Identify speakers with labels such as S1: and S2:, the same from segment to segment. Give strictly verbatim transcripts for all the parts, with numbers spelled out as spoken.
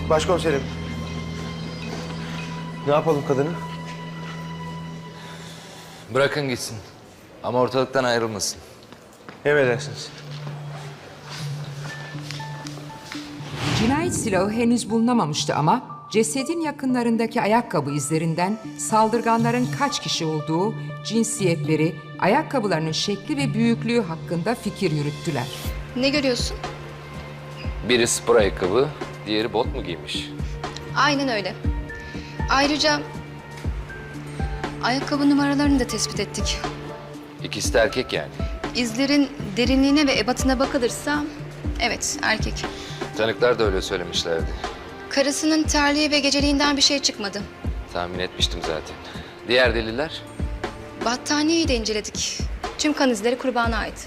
S1: Başkomiserim. Ne yapalım kadını?
S2: Bırakın gitsin. Ama ortalıktan ayrılmasın.
S1: Emredersiniz.
S3: Cinayet silahı henüz bulunamamıştı ama cesedin yakınlarındaki ayakkabı izlerinden saldırganların kaç kişi olduğu, cinsiyetleri, ayakkabılarının şekli ve büyüklüğü hakkında fikir yürüttüler.
S4: Ne görüyorsun?
S2: Biri spor ayakkabı, diğeri bot mu giymiş?
S4: Aynen öyle. Ayrıca ayakkabı numaralarını da tespit ettik.
S2: İkisi de erkek yani.
S4: İzlerin derinliğine ve ebatına bakılırsa evet erkek.
S2: Tanıklar da öyle söylemişlerdi.
S4: Karısının terliği ve geceliğinden bir şey çıkmadı.
S2: Tahmin etmiştim zaten. Diğer deliller?
S4: Battaniyeyi de inceledik. Tüm kan izleri kurbana ait.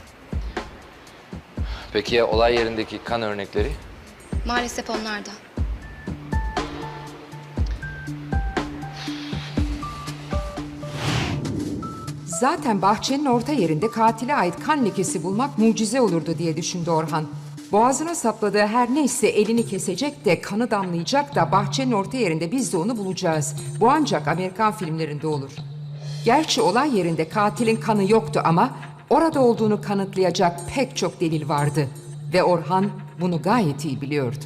S2: Peki ya olay yerindeki kan örnekleri?
S4: Maalesef onlar da.
S3: Zaten bahçenin orta yerinde katile ait kan lekesi bulmak mucize olurdu diye düşündü Orhan. Boğazına sapladığı her neyse elini kesecek de kanı damlayacak da bahçenin orta yerinde biz de onu bulacağız. Bu ancak Amerikan filmlerinde olur. Gerçi olay yerinde katilin kanı yoktu ama orada olduğunu kanıtlayacak pek çok delil vardı. Ve Orhan bunu gayet iyi biliyordu.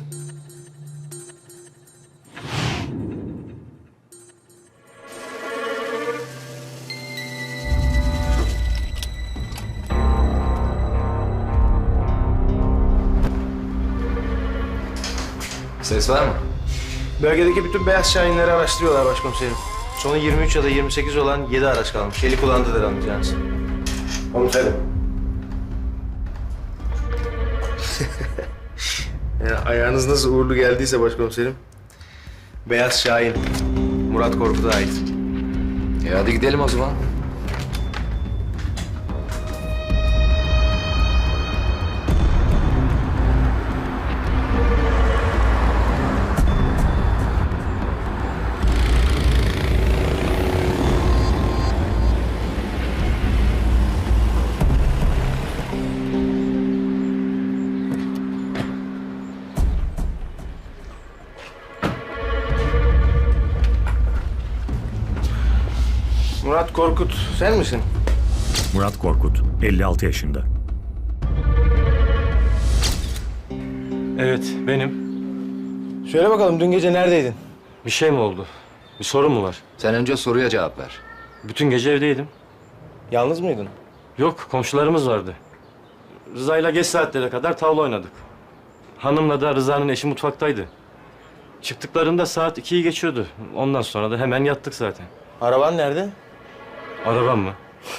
S2: Ses var mı?
S1: Bölgedeki bütün beyaz şahinleri araştırıyorlar başkomiserim. Sonu yirmi üç ya da yirmi sekiz olan yedi araç kalmış. Eli kullandılar anlayacağınız. Komiserim. Ya, ayağınız nasıl uğurlu geldiyse başkomiserim. Beyaz Şahin. Murat Korkut'a ait.
S2: E hadi gidelim o zaman.
S1: Murat Korkut sen misin?
S5: Murat Korkut, elli altı yaşında.
S6: Evet, benim.
S1: Söyle bakalım dün gece neredeydin?
S6: Bir şey mi oldu? Bir sorun mu var?
S2: Sen önce soruya cevap ver.
S6: Bütün gece evdeydim.
S1: Yalnız mıydın?
S6: Yok, komşularımız vardı. Rıza'yla geç saatlere kadar tavla oynadık. Hanımla da Rıza'nın eşi mutfaktaydı. Çıktıklarında saat ikiyi geçiyordu. Ondan sonra da hemen yattık zaten.
S1: Araban nerede?
S6: Arabam mı?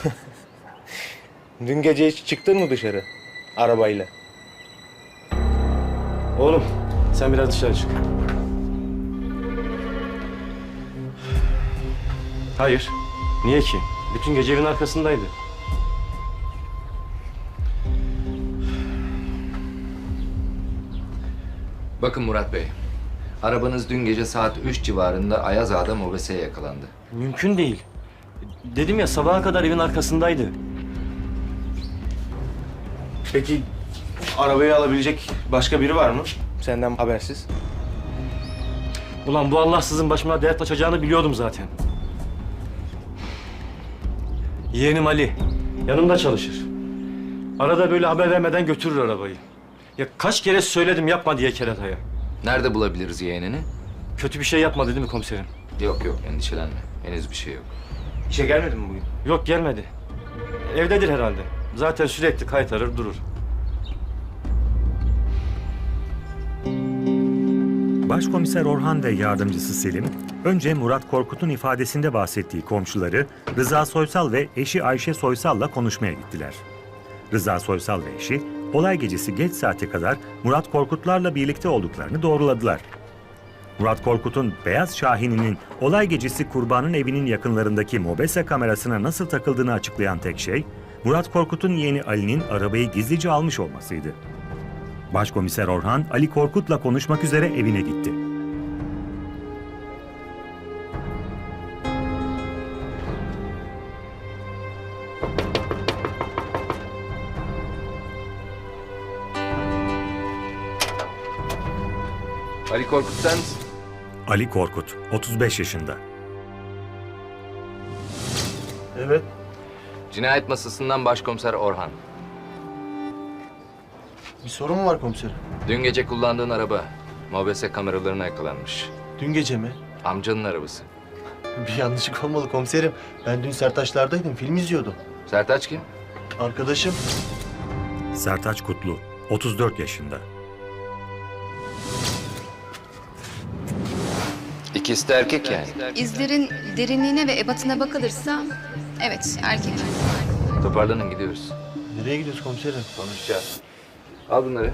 S1: Dün gece hiç çıktın mı dışarı? Arabayla.
S6: Oğlum, sen biraz dışarı çık. Hayır. Niye ki? Bütün gece evin arkasındaydı.
S2: Bakın Murat Bey. Arabanız dün gece saat üç civarında Ayaz Ağa'da mobeseye yakalandı.
S6: Mümkün değil. Dedim ya sabaha kadar evin arkasındaydı.
S1: Peki arabayı alabilecek başka biri var mı? Senden habersiz.
S6: Ulan bu Allahsızın başıma dert açacağını biliyordum zaten. Yeğenim Ali. Yanımda çalışır. Arada böyle haber vermeden götürür arabayı. Ya kaç kere söyledim yapma diye kerataya.
S2: Nerede bulabiliriz yeğenini?
S6: Kötü bir şey yapmadı değil mi komiserim?
S2: Yok yok endişelenme. Henüz bir şey yok.
S1: İşe gelmedin mi bugün?
S6: Yok gelmedi. Evdedir herhalde. Zaten sürekli kaytarır durur.
S5: Başkomiser Orhan ve yardımcısı Selim, önce Murat Korkut'un ifadesinde bahsettiği komşuları Rıza Soysal ve eşi Ayşe Soysal'la konuşmaya gittiler. Rıza Soysal ve eşi, olay gecesi geç saate kadar Murat Korkutlarla birlikte olduklarını doğruladılar. Murat Korkut'un Beyaz Şahin'inin olay gecesi kurbanın evinin yakınlarındaki mobese kamerasına nasıl takıldığını açıklayan tek şey, Murat Korkut'un yeğeni Ali'nin arabayı gizlice almış olmasıydı. Başkomiser Orhan, Ali Korkut'la konuşmak üzere evine gitti.
S2: Ali Korkut sen misin?
S5: Ali Korkut, otuz beş yaşında.
S1: Evet.
S2: Cinayet masasından başkomiser Orhan.
S1: Bir sorun mu var komiserim?
S2: Dün gece kullandığın araba mobese kameralarına yakalanmış.
S1: Dün gece mi?
S2: Amcanın arabası.
S1: Bir yanlışlık olmalı komiserim. Ben dün Sertaçlar'daydım, film izliyordum.
S2: Sertaç kim?
S1: Arkadaşım.
S5: Sertaç Kutlu, otuz dört yaşında.
S2: İkisi de erkek yani.
S4: İzlerin derinliğine ve ebatına bakılırsa evet erkek.
S2: Toparlanın gidiyoruz.
S1: Nereye gidiyoruz komiserim?
S2: Konuşacağız. Al bunları.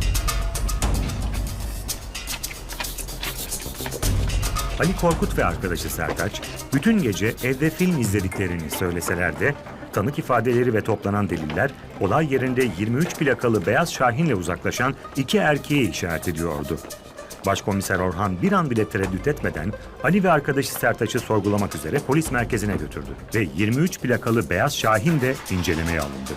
S5: Ali Korkut ve arkadaşı Sertaç, bütün gece evde film izlediklerini söyleseler de tanık ifadeleri ve toplanan deliller olay yerinde yirmi üç plakalı Beyaz Şahin'le uzaklaşan iki erkeği işaret ediyordu. Başkomiser Orhan bir an bile tereddüt etmeden Ali ve arkadaşı Sertaç'ı sorgulamak üzere polis merkezine götürdü ve yirmi üç plakalı Beyaz Şahin de incelemeye alındı.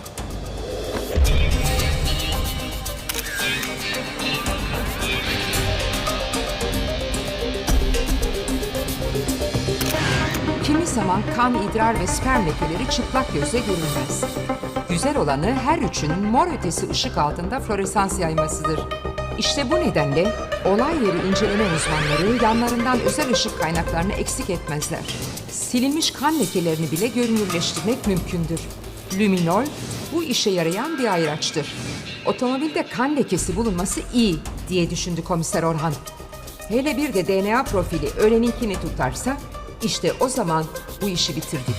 S3: Kimi zaman kan, idrar ve sperm lekeleri çıplak gözle görünmez. Güzel olanı her üçünün mor ötesi ışık altında floresans yaymasıdır. İşte bu nedenle olay yeri inceleme uzmanları yanlarından özel ışık kaynaklarını eksik etmezler. Silinmiş kan lekelerini bile görünürleştirmek mümkündür. Luminol bu işe yarayan bir ayraçtır. Otomobilde kan lekesi bulunması iyi diye düşündü komiser Orhan. Hele bir de D N A profili öleninkini tutarsa işte o zaman bu işi bitirdik.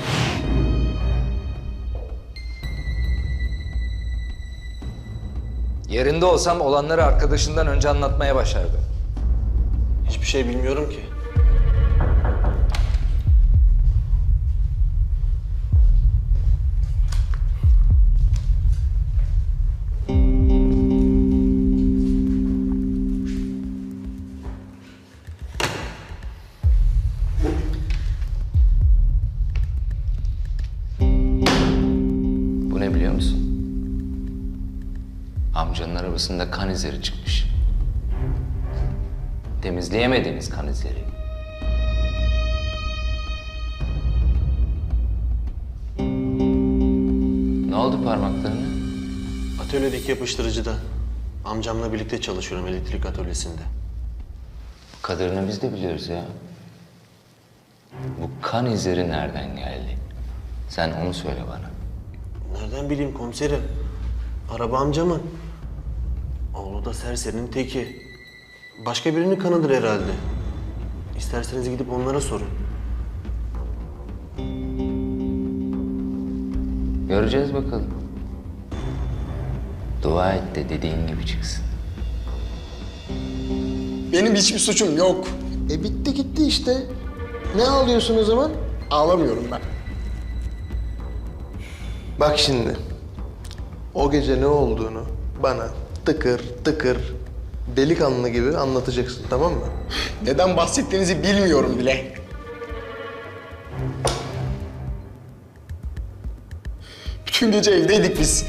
S2: Yerinde olsam olanları arkadaşından önce anlatmaya başardım.
S1: Hiçbir şey bilmiyorum ki.
S2: Bu ne biliyor musun? Amcanın arabasında kan izleri çıkmış. Temizleyemediğimiz kan izleri. Ne oldu parmaklarına?
S7: Atölyedeki yapıştırıcıda. Amcamla birlikte çalışıyorum elektrik atölyesinde.
S2: Kadarını biz de biliyoruz ya. Bu kan izleri nereden geldi? Sen onu söyle bana.
S7: Nereden bileyim komiserim? Araba amcamın. Oğlu da serserinin teki. Başka birinin kanıdır herhalde. İsterseniz gidip onlara sorun.
S2: Göreceğiz bakalım. Dua et de dediğin gibi çıksın.
S8: Benim hiçbir suçum yok. E bitti gitti işte. Ne ağlıyorsun o zaman? Ağlamıyorum ben.
S9: Bak şimdi, o gece ne olduğunu bana tıkır tıkır delikanlı gibi anlatacaksın, tamam mı?
S8: Neden bahsettiğinizi bilmiyorum bile. Bütün gece evdeydik biz.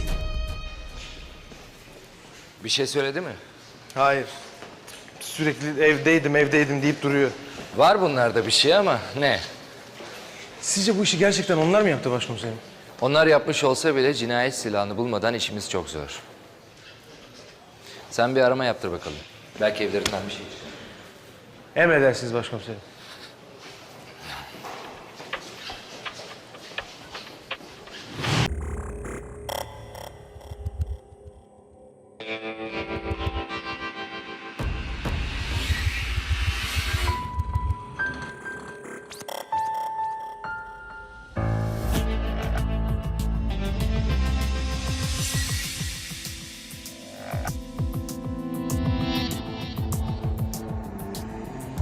S2: Bir şey söyledi mi?
S9: Hayır. Sürekli evdeydim, evdeydim deyip duruyor.
S2: Var bunlarda bir şey ama ne?
S1: Sizce bu işi gerçekten onlar mı yaptı başkomiserim?
S2: Onlar yapmış olsa bile cinayet silahını bulmadan işimiz çok zor. Sen bir arama yaptır bakalım. Belki evlerinden bir şey çıkar.
S1: Emredersiniz başkomiserim.